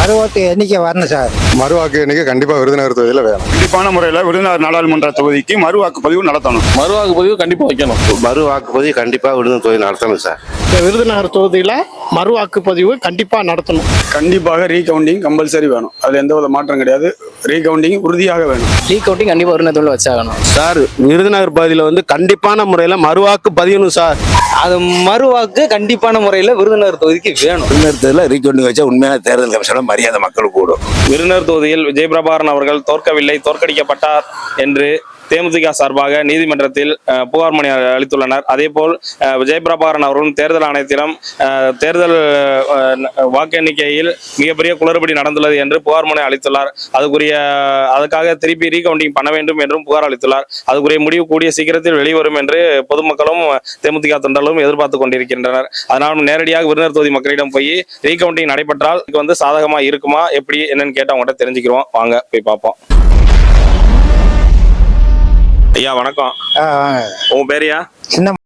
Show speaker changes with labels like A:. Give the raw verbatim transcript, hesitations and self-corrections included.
A: மறுவாக்கு எண்ணிக்கை வரணும் சார்.
B: மறுவாக்கு எண்ணிக்கை கண்டிப்பா விருதுநகர் தொகுதியில வேணும்.
C: கண்டிப்பான முறையில் விருதுநகர் நாடாளுமன்ற தொகுதிக்கு மறு வாக்குப்பதிவு நடத்தணும்.
D: மறு வாக்குப்பதிவு கண்டிப்பா வைக்கணும்.
E: மறு வாக்குப்பதிவு கண்டிப்பா விருதுநகர் தொகுதி நடத்தணும் சார்.
F: விருதுநகர் தொகுதியில மறு வாக்குப்பதிவு கண்டிப்பா நடத்தணும்.
C: கண்டிப்பாக ரீகவுண்டிங் கம்பல்சரி வேணும். அதுல எந்த வித மாற்றம் கிடையாது. ரீகவுண்டிங் உறுதியாக வேணும்.
G: ரீகவுண்டிங் கண்டிப்பா விருதுநகர் வச்சாகணும்
E: சார் விருதுநகர் பகுதியில் வந்து கண்டிப்பான முறையில் மறுவாக்கு பதியணும் சார்.
G: அது மறுவாக்கு கண்டிப்பான முறையில் விருதுநகர் தொகுதிக்கு வேணும்.
E: விருதுநகர் தொகுதியில் ரீகவுண்டிங் வச்சா உண்மையான தேர்தல் கமிஷனோட மரியாதை மக்களுக்கு கூடும்.
D: விருதுநகர் தொகுதியில் விஜயபிரபாகரன் அவர்கள் தோற்கவில்லை, தோற்கடிக்கப்பட்டார் என்று தேமுதிக சார்பாக நீதிமன்றத்தில் புகார் மனு அளித்துள்ளனர். அதேபோல் விஜயபிரபாகரன் அவர்களும் தேர்தல் ஆணையத்திடம் தேர்தல் வாக்கு எண்ணிக்கையில் மிகப்பெரிய குளறுபடி நடந்துள்ளது என்று புகார் மனு அளித்துள்ளார். அதுக்குரிய அதுக்காக திருப்பி ரீகவுண்டிங் பண்ண வேண்டும் என்றும் புகார் அளித்துள்ளார். அதுக்குரிய முடிவு கூடிய சீக்கிரத்தில் வெளிவரும் என்று பொதுமக்களும் தேமுதிக தொண்டர்களும் எதிர்பார்த்து கொண்டிருக்கின்றனர். அதனால் நேரடியாக விருதுநகர் தொகுதி மக்களிடம் போய் ரீகவுண்டிங் நடைபெற்றால் இதுக்கு வந்து சாதகமா இருக்குமா எப்படி என்னன்னு கேட்டு அவங்ககிட்ட தெரிஞ்சுக்கிறோம். வாங்க போய் பார்ப்போம். ஐயா வணக்கம். உங்க பேரையா?
A: சின்ன